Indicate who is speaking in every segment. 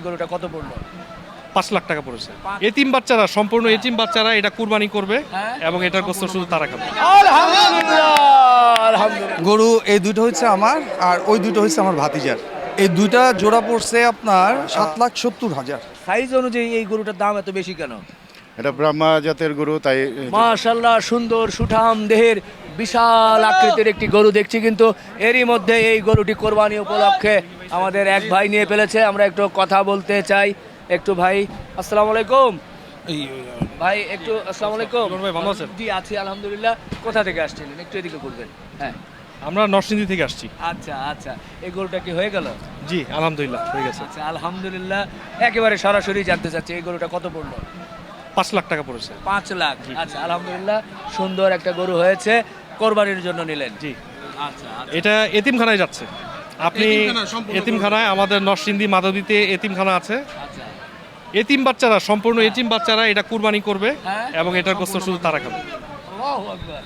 Speaker 1: গরুটা কত পড়লো?
Speaker 2: 5 লাখ টাকা পড়েছে। এতিম বাচ্চারা, সম্পূর্ণ এতিম বাচ্চারা এটা কুরবানি করবে এবং এটার গোস্ত শুধু তারা খাবে।
Speaker 1: আলহামদুলিল্লাহ, আলহামদুলিল্লাহ।
Speaker 3: গরু এই দুটো হচ্ছে আমার, আর ওই দুটো হচ্ছে আমার ভাতিজার। এই দুইটা জোড়া পড়ছে আপনার 7,70,000।
Speaker 1: সাইজ অনুযায়ী এই গরুটার দাম এত বেশি কেন?
Speaker 4: এটা ব্রাহ্মা জাতের গরু, তাই
Speaker 1: মাশাআল্লাহ, সুন্দর সুঠাম দেহের বিশাল আকৃতির একটি গরু দেখছি, কিন্তু এরই মধ্যে এই গরুটি কোরবানি উপলক্ষে আমাদের এক ভাই নিয়ে ফেলেছে। আমরা একটু কথা বলতে চাই। একটু ভাই, আসসালামু আলাইকুম ভাই, একটু আসসালামু আলাইকুম
Speaker 2: ভাই, ভালো আছেন?
Speaker 1: জি আছি আলহামদুলিল্লাহ। কোথা থেকে আসছিলেন? একটু এদিকে করবেন। হ্যাঁ,
Speaker 2: আমরা নরসিংদী থেকে আসছি।
Speaker 1: আচ্ছা আচ্ছা, এই গরুটা কি হয়ে গেল?
Speaker 2: জি আলহামদুলিল্লাহ হয়ে গেছে।
Speaker 1: আচ্ছা আলহামদুলিল্লাহ। একেবারে সরাসরি জানতে চাচ্ছি এই গরুটা কত পড়লো?
Speaker 2: 5 লাখ টাকা পড়েছে।
Speaker 1: 5 লাখ। আচ্ছা আলহামদুলিল্লাহ, সুন্দর একটা গরু হয়েছে, কোরবানির জন্য নিলেন।
Speaker 2: জি,
Speaker 1: আচ্ছা
Speaker 2: এটা এতিমখানায় যাচ্ছে। আপনি এতিমখানায়, আমাদের নরসিংদী মাধবীতে এতিমখানা আছে।
Speaker 1: আচ্ছা।
Speaker 2: এতিম বাচ্চারা, সম্পূর্ণ এতিম বাচ্চারা এটা কুরবানি করবে
Speaker 1: হ্যাঁ।
Speaker 2: এবং এটার গোস্ত শুধু তারা খাবে।
Speaker 1: আল্লাহু আকবার।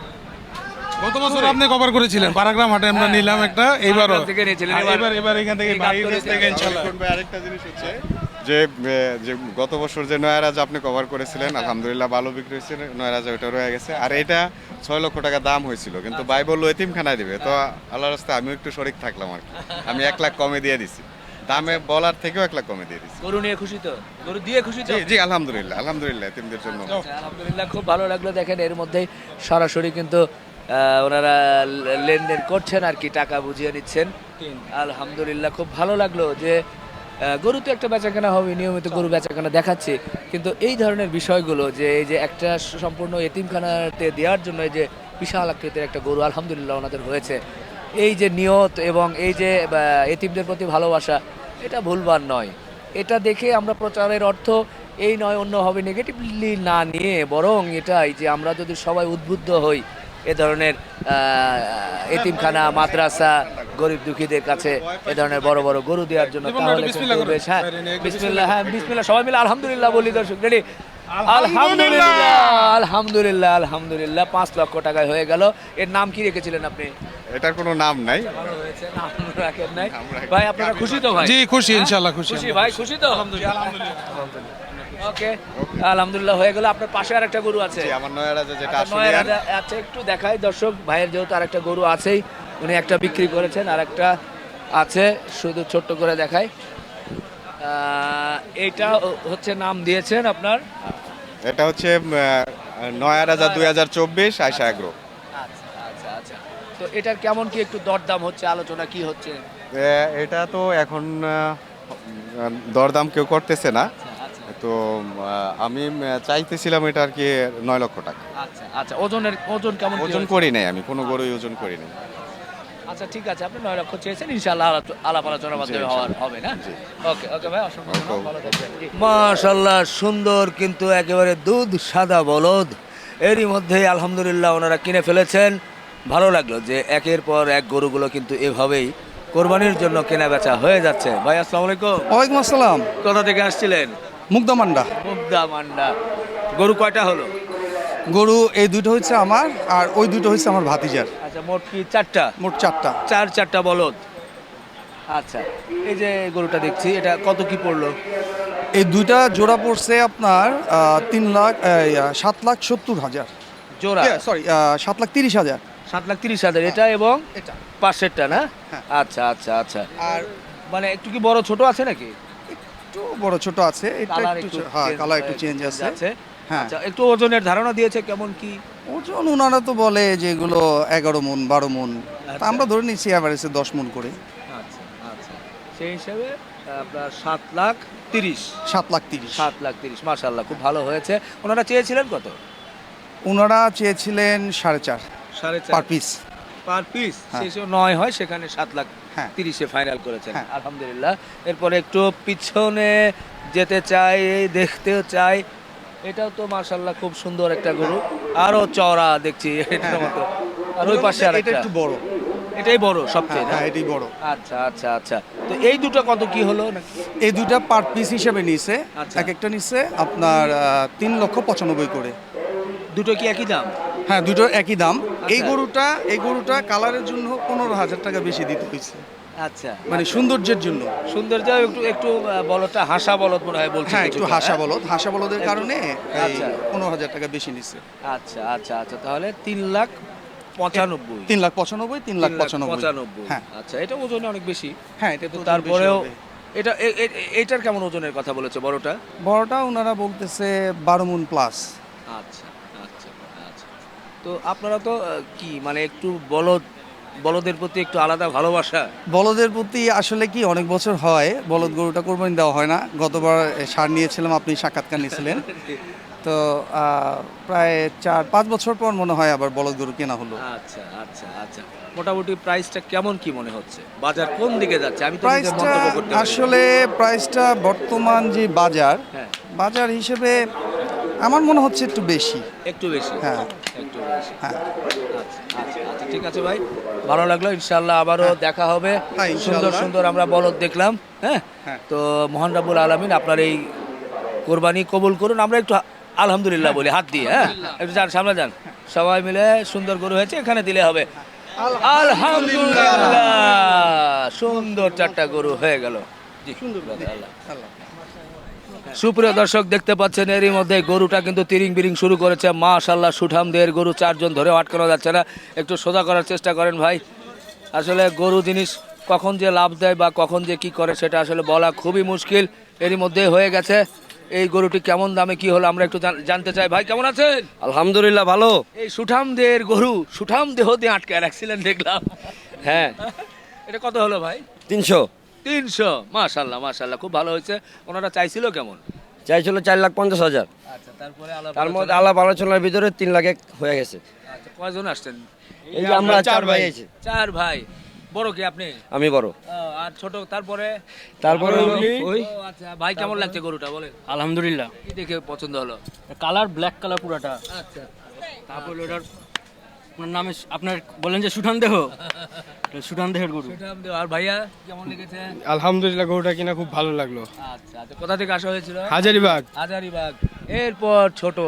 Speaker 5: গত বছর আপনি কভার করেছিলেন পারাগ্রাম হাটে, আমরা নিলাম একটা, এইবারও
Speaker 1: পারাগ্রাম থেকে নিয়েছিলেন,
Speaker 5: এবার এখান থেকে
Speaker 1: এই গাবতলী
Speaker 5: বাইরে থেকে ইনশাআল্লাহ।
Speaker 4: আরেকটা জিনিস হচ্ছে যে যে গত বছর যে নয়রাজ আপনি কভার করেছিলেন, আলহামদুলিল্লাহ ভালো বিক্রি হয়েছে, নয়রাজ ওটা রয়ে গেছে। আর এটা 6 লক্ষ টাকা দাম হয়েছিল, কিন্তু ভাই বললো এতিমখানায় দিবে, তো আল্লাহর রাস্তায় আমিও একটু শরিক থাকলাম আর কি। আমি 1 লাখ কমে দিয়ে দিছি, দামে বলার থেকেও 1 লাখ কমে দিয়ে দিছি।
Speaker 1: গরু নিয়ে খুশি তো? গরু দিয়ে খুশি তো?
Speaker 4: জি জি আলহামদুলিল্লাহ, আলহামদুলিল্লাহ এতিমদের জন্য।
Speaker 1: আচ্ছা, আলহামদুলিল্লাহ, খুব ভালো লাগলো। দেখেন এর মধ্যেই সরাসরি কিন্তু ওনারা লেনদেন করছেন আর কি, টাকা বুঝিয়ে নিচ্ছেন। আলহামদুলিল্লাহ, খুব ভালো লাগলো যে গরু তো একটা বেচাকেনা হবে, নিয়মিত গরু বেচাকেনা দেখাচ্ছে, কিন্তু এই ধরনের বিষয়গুলো যে এই যে একটা সম্পূর্ণ এতিমখানাতে দেওয়ার জন্য এই যে বিশাল আকৃতির একটা গরু আলহামদুলিল্লাহ ওনাদের হয়েছে, এই যে নিয়ত এবং এই যে এতিমদের প্রতি ভালোবাসা, এটা ভুলবার নয়। এটা দেখে আমরা প্রচারের অর্থ এই নয় অন্যভাবে নেগেটিভলি না নিয়ে, বরং এটাই যে আমরা যদি সবাই উদ্বুদ্ধ হই এ ধরনের এতিমখানা, মাদ্রাসা, গরিব দুঃখীদের কাছে এ ধরনের বড় বড় গরু দেওয়ার জন্য, তাহলে কিন্তু বেশ। হ্যাঁ বিসমিল্লাহ, হ্যাঁ বিসমিল্লাহ, সবাই মিলে আলহামদুলিল্লাহ বলি। দর্শক রেডি? আলহামদুলিল্লাহ, আলহামদুলিল্লাহ, আলহামদুলিল্লাহ। 5 লক্ষ টাকায় হয়ে গেল। এর নাম কি রেখেছিলেন আপনি?
Speaker 4: এটার কোনো নাম নাই।
Speaker 1: ভালো হয়েছে, নাম রাখেন নাই। ভাই আপনারা খুশি তো? ভাই
Speaker 5: জি খুশি, ইনশাআল্লাহ খুশি।
Speaker 1: খুশি ভাই, খুশি তো? ওকে, আলহামদুলিল্লাহ হয়ে গেল। আপনার পাশে আরেকটা গরু আছে?
Speaker 4: জি, আমার নয়রাজে যেটা
Speaker 1: আচ্ছা,
Speaker 4: আসলে
Speaker 1: নয় রাজা। আচ্ছা, একটু দেখাই দর্শক, ভাইয়ের যেহেতু আরেকটা গরু আছেই, উনি একটা বিক্রি করেছেন, আর একটা আছে, শুধু ছোট্ট করে দেখাই। এইটা হচ্ছে নাম দিয়েছেন আপনার?
Speaker 4: এটা হচ্ছে নয়রাজা 2024 আয়শা এগ্রো।
Speaker 1: আচ্ছা আচ্ছা আচ্ছা। তো এটার কেমন কি একটু দরদাম হচ্ছে, আলোচনা কি হচ্ছে?
Speaker 4: এটা তো এখন দরদাম কেউ করতেছে না,
Speaker 1: আচ্ছা
Speaker 4: তো আমি চাইতেছিলাম এটা আর কি 9 লক্ষ টাকা।
Speaker 1: আচ্ছা আচ্ছা। ওজন কেমন কি
Speaker 4: ওজন
Speaker 1: হয়েছে?
Speaker 4: করি নাই, আমি কোনো গরুই ওজন করি নাই।
Speaker 1: আচ্ছা ঠিক আছে, আপনি 9 লক্ষ চেয়েছেন, ইনশাআল্লাহ আলাপ আলোচনার মাধ্যমে হবে না? ওকে ওকে ভাই, অসংখ্য ধন্যবাদ, ভালো থাকবেন। মাশাআল্লাহ, সুন্দর কিন্তু একেবারে দুধ সাদা বলদ, এরই মধ্যে আলহামদুলিল্লাহ ওনারা কিনে ফেলেছেন। ভালো লাগলো যে একের পর এক গরুগুলো কিন্তু এভাবেই কোরবানির জন্য কেনা বেচা হয়ে যাচ্ছে। ভাই আসসালামু আলাইকুম।
Speaker 3: ওয়ালাইকুম আসসালাম।
Speaker 1: কোথা থেকে আসছিলেন?
Speaker 3: মুগদামান্ডা।
Speaker 1: মুগদা মান্ডা। গরু কয়টা হলো?
Speaker 3: গরু এই দুটো হচ্ছে আমার, আর ওই দুটো হচ্ছে আমার ভাতিজার।
Speaker 1: আচ্ছা, মোট কি 4টা?
Speaker 3: মোট 4টা।
Speaker 1: 4টা বলদ। আচ্ছা, এই যে গরুটা দেখছি, এটা কত কি পড়লো?
Speaker 3: এই দুইটা জোড়া পড়ছে আপনার 7,70,000
Speaker 1: জোড়া?
Speaker 3: সরি 7,30,000।
Speaker 1: 7,30,000 এটা, এবং
Speaker 3: এটা
Speaker 1: পাশেরটা না?
Speaker 3: হ্যাঁ।
Speaker 1: আচ্ছা আচ্ছা আচ্ছা।
Speaker 3: আর
Speaker 1: মানে একটু কি বড় ছোট আছে নাকি?
Speaker 3: একটু বড় ছোট আছে, এটা
Speaker 1: কালার
Speaker 3: একটু হ্যাঁ, কালার একটু চেঞ্জ আছে। হ্যাঁ,
Speaker 1: আচ্ছা, একটু ওজনের ধারণা দিয়েছে কেমন কি?
Speaker 3: ওজন ওনারা তো বলে যে এগুলো 11 মন 12 মন, তা
Speaker 1: আচ্ছা।
Speaker 3: আমরা ধরে নিচ্ছি অ্যাভারেজে 10 মন করে।
Speaker 1: আচ্ছা আচ্ছা, সেই হিসাবে আপনার 7,30,000।
Speaker 3: 7,30,000।
Speaker 1: 7,30,000, মাশাআল্লাহ, খুব ভালো হয়েছে। ওনারা চেয়েছিলেন কত?
Speaker 3: ওনারা চেয়েছিলেন 4.5 পার পিস।
Speaker 1: Per piece?
Speaker 3: হ্যাঁ।
Speaker 1: সেই 9 হয়, সেখানে 7,30,000 ফাইনাল করেছেন।
Speaker 3: হ্যাঁ।
Speaker 1: আলহামদুলিল্লাহ। এরপরে একটু পিছনে যেতে চাই, দেখতেও চাই। এটাও তো মাশাআল্লাহ খুব সুন্দর একটা গরু, আরো চওড়া দেখছি এটার মতো। আর ওই পাশে
Speaker 3: এটা
Speaker 1: আরেকটা,
Speaker 3: একটু বড়।
Speaker 1: এটাই বড় সবচেয়ে না?
Speaker 3: হ্যাঁ, এটাই বড়।
Speaker 1: আচ্ছা আচ্ছা আচ্ছা। তো এই দুটো কত কি হলো নাকি?
Speaker 3: এই দুইটা পার পিস হিসেবে নিছে,
Speaker 1: আচ্ছা।
Speaker 3: এক একটা নিছে আপনার 3,95,000 করে।
Speaker 1: দুটো কি একই দাম?
Speaker 3: হ্যাঁ, দুটো একই দাম।
Speaker 1: আচ্ছা।
Speaker 3: এই গরুটা কালারের জন্য 15,000 টাকা বেশি দিতে হয়েছে।
Speaker 1: আচ্ছা
Speaker 3: মানে সৌন্দর্যের জন্য।
Speaker 1: সৌন্দর্য একটু একটু বলদটা হাসা বলদ মনে হয় বলছে
Speaker 3: হ্যাঁ, একটু
Speaker 1: কিছুটা,
Speaker 3: হাসা
Speaker 1: হ্যাঁ?
Speaker 3: বলদ, হাসা বলদের কারণে
Speaker 1: আচ্ছা।
Speaker 3: 15,000 টাকা বেশি নিচ্ছে।
Speaker 1: আচ্ছা আচ্ছা আচ্ছা, তাহলে 3,95,000
Speaker 3: 3,95,000, 3,95,000।
Speaker 1: 3,95,000।
Speaker 3: হ্যাঁ
Speaker 1: আচ্ছা, এটা ওজনে অনেক বেশি।
Speaker 3: হ্যাঁ, এটা তো
Speaker 1: তারপরেও
Speaker 3: বেশি হবে।
Speaker 1: এটা এইটার কেমন ওজনের কথা বলেছে বড়টা?
Speaker 3: বড়টা ওনারা বলতেছে 12 মণ প্লাস।
Speaker 1: আচ্ছা আচ্ছা আচ্ছা। তো আপনারা তো কি মানে একটু বলদের প্রতি একটু আলাদা ভালোবাসা?
Speaker 3: বলদের প্রতি আসলে কি অনেক বছর হয় বলদ গরুটা কোরবানি দেওয়া হয় না। গতবার সার নিয়েছিলাম, আপনি সাক্ষাৎকার নিয়েছিলেন। তো প্রায় 4-5 বছর পর মনে হয় আবার বলদ গরু কেনা হলো।
Speaker 1: আচ্ছা আচ্ছা আচ্ছা, মোটামুটি প্রাইসটা কেমন কি মনে হচ্ছে? বাজার কোন দিকে যাচ্ছে? আমি তো নিজে
Speaker 3: প্রাইসটা
Speaker 1: মন্তব্য করতে পারি না।
Speaker 3: আসলে প্রাইসটা বর্তমান যে
Speaker 1: হ্যাঁ,
Speaker 3: বাজার হিসেবে আমার মনে হচ্ছে একটু বেশি।
Speaker 1: একটু বেশি।
Speaker 3: হ্যাঁ
Speaker 1: একটু বেশি।
Speaker 3: হ্যাঁ
Speaker 1: আচ্ছা আচ্ছা আচ্ছা, ঠিক আছে ভাই, ভালো লাগলো। ইনশাআল্লাহ আবারও দেখা হবে।
Speaker 3: হ্যাঁ,
Speaker 1: সুন্দর
Speaker 3: ইনশাআল্লাহ।
Speaker 1: সুন্দর আমরা বলদ দেখলাম। হ্যাঁ,
Speaker 3: হ্যাঁ।
Speaker 1: তো মহান রাব্বুল আলামিন আপনার এই কোরবানি কবুল করুন। আমরা একটু আলহামদুলিল্লাহ বলি হাত দিয়ে। হ্যাঁ, একটু যান, সামনে যান, সবাই মিলে। সুন্দর গরু হয়েছে, এখানে দিলে হবে। আলহামদুলিল্লাহ, সুন্দর 4টা গরু হয়ে গেল। জি, আল্লাহ। সুপ্রিয় দর্শক, দেখতে পাচ্ছেন এরই মধ্যে গরুটা কিন্তু তিরিং বিরিং শুরু করেছে। মাশাআল্লাহ, সুঠামদের গরু, 4 জন ধরে আটকানো যাচ্ছে না। একটু সোজা করার চেষ্টা করেন ভাই। আসলে গরু জিনিস কখন যে লাভ দেয় বা কখন যে কি করে সেটা আসলে বলা খুবই মুশকিল। এরই মধ্যে হয়ে গেছে। এই গরুটি কেমন দামে কি হলো আমরা একটু জানতে চাই। ভাই কেমন আছেন?
Speaker 6: আলহামদুলিল্লাহ ভালো।
Speaker 1: এই সুঠামদের গরু সুঠাম দেহ দিয়ে আটকায় রাখছিলেন দেখলাম।
Speaker 6: হ্যাঁ,
Speaker 1: এটা কত হলো ভাই?
Speaker 6: 300
Speaker 1: 300। মাশাআল্লাহ মাশাআল্লাহ, খুব ভালো হয়েছে। ওনারা চাইছিল কেমন?
Speaker 6: চাইছিল 4,50,000।
Speaker 1: আচ্ছা, তারপরে আলাপ
Speaker 6: তার মধ্যে আলাপ আলোচনার ভিতরে 3 লাখ এক হয়ে গেছে।
Speaker 1: আচ্ছা, কয়জন আসছেন?
Speaker 6: এই যে আমরা 4 ভাই আছি।
Speaker 1: 4 ভাই। বড় কি আপনি?
Speaker 6: আমি বড়,
Speaker 1: আর ছোট? তারপরে
Speaker 6: তারপরে
Speaker 1: ওই আচ্ছা, ভাই কেমন লাগছে গরুটা বলেন?
Speaker 7: আলহামদুলিল্লাহ,
Speaker 1: কি দেখে পছন্দ হলো?
Speaker 7: কালার ব্ল্যাক কালার পুরাটা।
Speaker 1: আচ্ছা,
Speaker 7: তারপর ওটার আপনার নামে আপনার বলেন যে সুঠান দেহ, সুঠান দেহের গরু।
Speaker 1: সুঠাম দেহ। আর ভাইয়া কেমন লেগেছে?
Speaker 8: আলহামদুলিল্লাহ, গরুটা কিনা খুব ভালো লাগলো।
Speaker 1: আচ্ছা আচ্ছা, কোথা থেকে আসা হয়েছিল?
Speaker 8: হাজারিবাগ।
Speaker 1: হাজারিবাগ। এরপর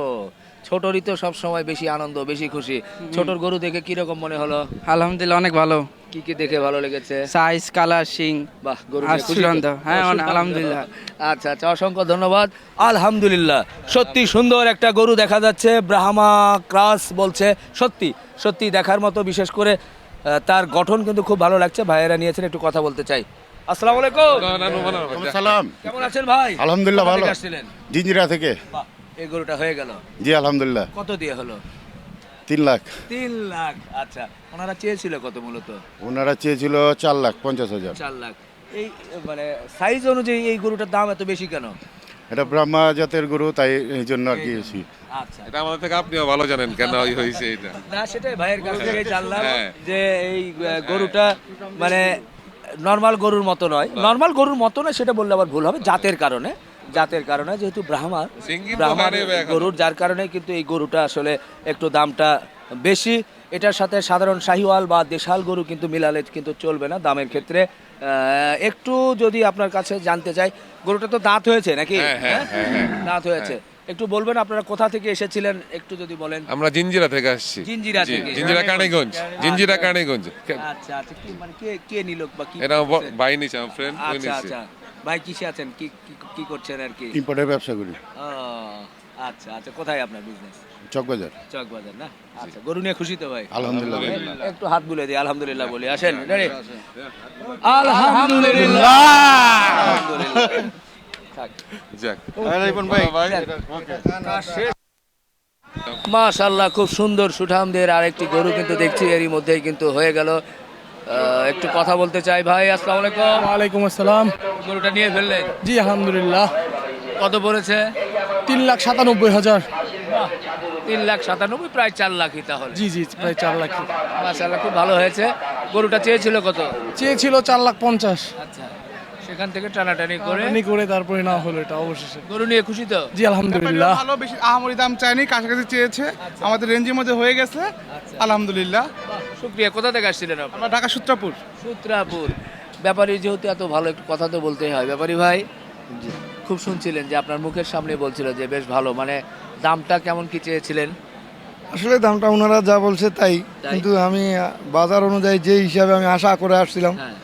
Speaker 1: ছোটরই তো সব সময় বেশি আনন্দ, বেশি খুশি। ছোটর গরু দেখে কি রকম মনে হলো?
Speaker 9: আলহামদুলিল্লাহ, অনেক ভালো।
Speaker 1: কি কি দেখে ভালো লেগেছে?
Speaker 9: সাইজ, কালার, শিং
Speaker 1: বাহ, গরু
Speaker 9: আর
Speaker 1: নিয়ে খুশি তো?
Speaker 9: সুগন্ধ। হ্যাঁ,
Speaker 1: সুগন্ধ।
Speaker 9: আলহামদুলিল্লাহ।
Speaker 1: আচ্ছা আচ্ছা, অসংখ্য ধন্যবাদ। আলহামদুলিল্লাহ, সত্যি সুন্দর একটা গরু দেখা যাচ্ছে। ব্রাহ্মা ক্রাস বলছে, সত্যি সত্যি দেখার মতো। বিশেষ করে তার গঠন কিন্তু খুব ভালো লাগছে। ভাইয়েরা নিয়েছেন, একটু কথা বলতে চাই। আসসালামু আলাইকুম।
Speaker 10: সালাম।
Speaker 1: কেমন আছেন ভাই?
Speaker 10: আলহামদুলিল্লাহ,
Speaker 1: কোথা
Speaker 10: ভালো।
Speaker 1: থেকে আসছিলেন?
Speaker 10: জিঞ্জিরা থেকে।
Speaker 1: বাহ, এই গরুটা হয়ে গেল।
Speaker 10: জি আলহামদুলিল্লাহ।
Speaker 1: কত দিয়ে হলো?
Speaker 10: 3 লাখ।
Speaker 1: 3 লাখ। আচ্ছা, ওনারা চেয়েছিল কত মূলত?
Speaker 10: ওনারা চেয়েছিল 4,50,000।
Speaker 1: 4 লাখ। এই মানে সাইজ অনুযায়ী এই গরুটার দাম এত বেশি কেন?
Speaker 10: এটা ব্রাহ্মা জাতের গরু, তাই এই জন্য আর কি বেশি।
Speaker 1: আচ্ছা,
Speaker 11: এটা আমাদের থেকে আপনিও ভালো জানেন কেন হয়েছে এটা।
Speaker 1: না সেটাই ভাইয়ের কাছ থেকে জানলাম
Speaker 11: হ্যাঁ।
Speaker 1: যে এই গরুটা মানে নর্মাল গরুর মতো নয়। নর্মাল গরুর মতো নয় সেটা বললে আবার ভুল হবে। জাতের কারণে যেহেতু ব্রাহ্মার
Speaker 11: সিঙ্গি তো হয় নাই ভাই এখন।
Speaker 1: গরুর, যার কারণে কিন্তু এই গরুটা আসলে একটু দামটা বেশি। এটার সাথে সাধারণ শাহিওয়াল বা দেশাল গরু কিন্তু মিলালে কিন্তু চলবে না দামের ক্ষেত্রে। একটু যদি আপনার কাছে জানতে চাই, গরুটা তো দাঁত হয়েছে নাকি?
Speaker 11: হ্যাঁ,
Speaker 1: দাঁত হয়েছে। একটু বলবেন আপনারা কোথা থেকে এসেছিলেন, একটু যদি বলেন।
Speaker 11: আমরা জিঞ্জিরা থেকে আসছি।
Speaker 1: জিঞ্জিরা
Speaker 11: জি,
Speaker 1: থেকে?
Speaker 11: জিঞ্জিরা কানিগঞ্জ। জিঞ্জিরা কানিগঞ্জ।
Speaker 1: আচ্ছা আচ্ছা, কি মানে কে নিল বা কি
Speaker 11: এটা
Speaker 1: করছে?
Speaker 11: ভাই নিছে, আমার ফ্রেন্ড ওই
Speaker 1: আচ্ছা
Speaker 11: নিছে।
Speaker 1: আচ্ছা, ভাই কিসে আছেন, কি কি করছেন আর কি?
Speaker 10: ইম্পোর্টের ব্যবসা করি।
Speaker 1: ও, আচ্ছা আচ্ছা, কোথায় আপনার বিজনেস?
Speaker 10: চকবাজার।
Speaker 1: চকবাজার না? আচ্ছা, গরু নিয়ে খুশি তো ভাই?
Speaker 10: আলহামদুলিল্লাহ।
Speaker 1: একটু হাত বুলে দিই, আলহামদুলিল্লাহ বলি। আসেন রেডি? আলহামদুলিল্লাহ। আলহামদুলিল্লাহ। থাক।
Speaker 11: যাক।
Speaker 1: মাশাআল্লাহ, খুব সুন্দর সুঠামদের আরেকটি গরু কিন্তু দেখছি এরই মধ্যেই কিন্তু হয়ে গেল। একটু কথা বলতে চাই ভাই। আসসালামু আলাইকুম।
Speaker 8: ওয়ালাইকুম আসসালাম।
Speaker 1: গরুটা নিয়ে ফেললেন?
Speaker 8: জি আলহামদুলিল্লাহ।
Speaker 1: কত পড়েছে?
Speaker 8: 3,97,000।
Speaker 1: 3,97,000, প্রায় 4 লাখই তাহলে।
Speaker 8: জি জি, প্রায় 4 লাখ।
Speaker 1: মাশাআল্লাহ, খুব ভালো হয়েছে। গরুটা চেয়েছিল কত?
Speaker 8: চেয়েছিল 4,50,000।
Speaker 1: আচ্ছা, সেখান থেকে টানাটানি করে
Speaker 8: করে তারপরে না হলো এটা অবশেষে।
Speaker 1: গরু নিয়ে খুশি তো?
Speaker 8: জি আলহামদুলিল্লাহ।
Speaker 5: ভালো, বেশি আহামরি দাম চাইনি, কাছাকাছি চেয়েছে, আমাদের রেঞ্জের মধ্যে হয়ে গেছে। আলহামদুলিল্লাহ।
Speaker 1: শুক্রিয়া। কোথা থেকে আসছিলেন আপনি?
Speaker 5: আমরা ঢাকা সূত্রাপুর।
Speaker 1: সূত্রাপুর। ব্যাপারী যেহেতু এত ভালো, একটু কথা তো বলতেই হয়। ব্যাপারী ভাই, খুব শুনছিলেন যে আপনার মুখের সামনে বলছিল যে বেশ ভালো, মানে দামটা কেমন কি চেয়েছিলেন?
Speaker 8: আসলে দামটা ওনারা যা বলছে তাই, কিন্তু আমি বাজার অনুযায়ী যে হিসাবে আমি আশা করে আসছিলাম
Speaker 1: হ্যাঁ,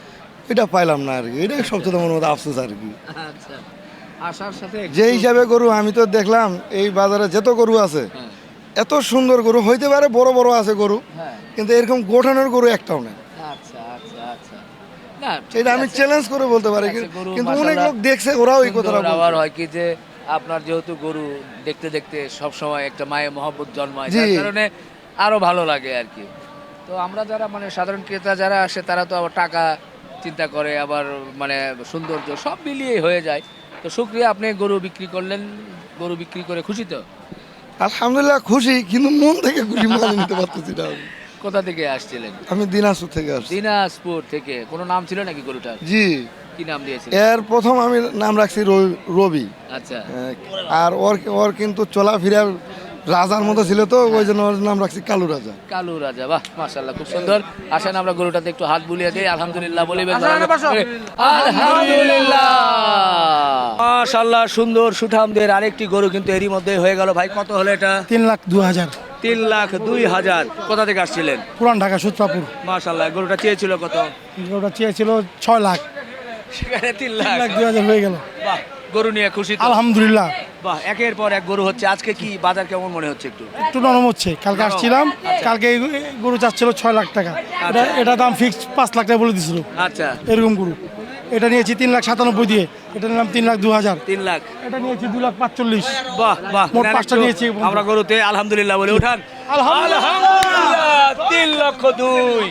Speaker 8: ওইটা পাইলাম না আর কি, এটাই সবচেয়ে আমার মধ্যে আফসোস আর কি।
Speaker 1: আচ্ছা আসার সাথে
Speaker 8: যে হিসাবে গরু আমি তো দেখলাম এই বাজারে যত গরু আছে এত সুন্দর গরু হইতে পারে, বড় বড় আছে গরু,
Speaker 1: হ্যাঁ
Speaker 8: কিন্তু এরকম গঠনের গরু একটাও নেই।
Speaker 1: আচ্ছা আচ্ছা আচ্ছা না
Speaker 8: এটা আমি চ্যালেঞ্জ করে বলতে পারি,
Speaker 1: আছে, গরু
Speaker 8: কিন্তু অনেক
Speaker 1: মাশাআল্লাহ
Speaker 8: লোক দেখছে, ওরাও এই কথাটা
Speaker 1: সুন্দর। আবার
Speaker 8: বলছে।
Speaker 1: হয় কি যে আপনার যেহেতু গরু দেখতে দেখতে সব সময় একটা মায়ের মহব্বত জন্মায়,
Speaker 8: জি।
Speaker 1: যার কারণে আরো ভালো লাগে আর কি। তো আমরা যারা মানে সাধারণ ক্রেতা যারা আসে তারা তো আবার টাকা চিন্তা করে, আবার মানে সৌন্দর্য সব মিলিয়ে হয়ে যায়। তো শুক্রিয়া, আপনি গরু বিক্রি করলেন, গরু বিক্রি করে খুশি তো?
Speaker 8: আলহামদুলিল্লাহ খুশি, কিন্তু মন থেকে খুশি মানে নিতে পারতেছি না আমি।
Speaker 1: কোথা থেকে আসছিলেন?
Speaker 8: আমি দিনাজপুর থেকে আসছি।
Speaker 1: দিনাজপুর থেকে। কোনো নাম ছিল নাকি গরুটার?
Speaker 8: জি,
Speaker 1: কি নাম দিয়েছিল?
Speaker 8: এর প্রথম আমি নাম রাখছি রবি।
Speaker 1: আচ্ছা
Speaker 8: আর ওর কিন্তু চলাফেরার রাজার মতো ছিল, তো ওই জন্য ওর নাম রাখছি কালু রাজা।
Speaker 1: কালু রাজা। বাহ মাশাআল্লাহ, খুব সুন্দর। আসেন আমরা গরুটাতে একটু হাত বুলিয়ে দিই। আলহামদুলিল্লাহ বলিবেন। আলহামদুলিল্লাহ মাশাআল্লাহ, সুন্দর সুঠামদের আরেকটি গরু কিন্তু এরই মধ্যে হয়ে গেল। ভাই কত হলো এটা?
Speaker 8: 3,02,000।
Speaker 1: 3,02,000। কোথা থেকে আসছিলেন?
Speaker 8: পুরান ঢাকা সূত্রাপুর।
Speaker 1: মাশাআল্লাহ, গরুটা চেয়েছিল কত?
Speaker 8: ওটা চেয়েছিল 6 লাখ,
Speaker 1: সেখানে 3,02,000
Speaker 8: 3,02,000 হয়ে গেল।
Speaker 1: বাহ, গরু নিয়ে খুশি তো?
Speaker 8: আলহামদুলিল্লাহ।
Speaker 1: বাহ, একের পর এক গরু হচ্ছে। আজকে কি বাজার কেমন মনে হচ্ছে একটু?
Speaker 8: একটু নরম হচ্ছে। কালকে আসছিলাম, কালকে এই গরু চাচ্ছিল 6 লাখ টাকা, এটা দাম ফিক্সড 5 লাখ টাকা বলে দিছিল।
Speaker 1: আচ্ছা
Speaker 8: এরকম গরু এটা নিয়েছি 3,97,000 দিয়ে, এটা নিলাম 3,02,000।
Speaker 1: 3 লাখ।
Speaker 8: এটা নিয়েছি 2,45,000।
Speaker 1: বাহ বাহ,
Speaker 8: মোট
Speaker 1: নেন
Speaker 8: 5টা
Speaker 1: একটু।
Speaker 8: নিয়েছি।
Speaker 1: আমরা গরুতে আলহামদুলিল্লাহ বলে উঠান।
Speaker 8: আলহামদুলিল্লাহ।
Speaker 1: 3,02,000।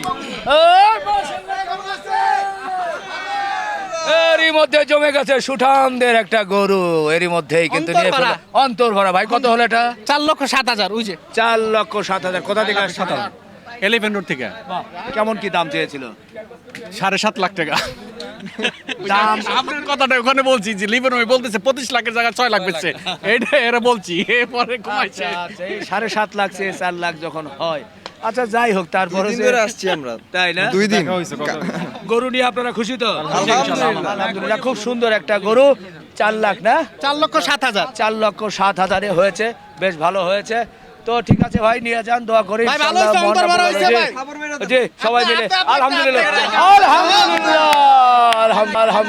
Speaker 1: এরই মধ্যে জমে গেছে সুঠামদের একটা গরু, এরই মধ্যেই কিন্তু নিয়ে ফেললো। অন্তর ভরা। ভাই কত হলো এটা?
Speaker 2: 4,07,000। ওই যে
Speaker 1: 4,07,000। কোথা থেকে আসছে?
Speaker 2: এলিফ্যান্ট রোড থেকে।
Speaker 1: কেমন কি দাম চেয়েছিল?
Speaker 2: 7.5 লাখ টাকা।
Speaker 1: দাম
Speaker 2: আপনার কথাটা ওখানে বলছি যে লিভেন ওই বলতেছে 25 লাখের জায়গায় 6 লাখ বেচছে, এইটা এরা বলছি, এরপরে কমাইছে।
Speaker 1: আচ্ছা, এই 7.5 লাখ সে 4 লাখ যখন হয়, আচ্ছা যাই হোক, তারপরে
Speaker 6: আসছি আমরা।
Speaker 1: তাই না?
Speaker 6: 2 দিন।
Speaker 1: গরু নিয়ে আপনারা খুশি তো? আলহামদুলিল্লাহ, খুব সুন্দর একটা গরু। 4 লাখ না?
Speaker 2: 4,07,000।
Speaker 1: 4,07,000 হয়েছে, বেশ ভালো হয়েছে। তো ঠিক আছে ভাই, নিয়ে যান, দোয়া করি
Speaker 2: ভাই, ভালো হয়েছে, অন্তর ভরা হয়েছে ভাই।
Speaker 1: জি, সবাই মিলে আলহামদুলিল্লাহ আলহামদুলিল্লাহ আলহামদুলিল্লাহ।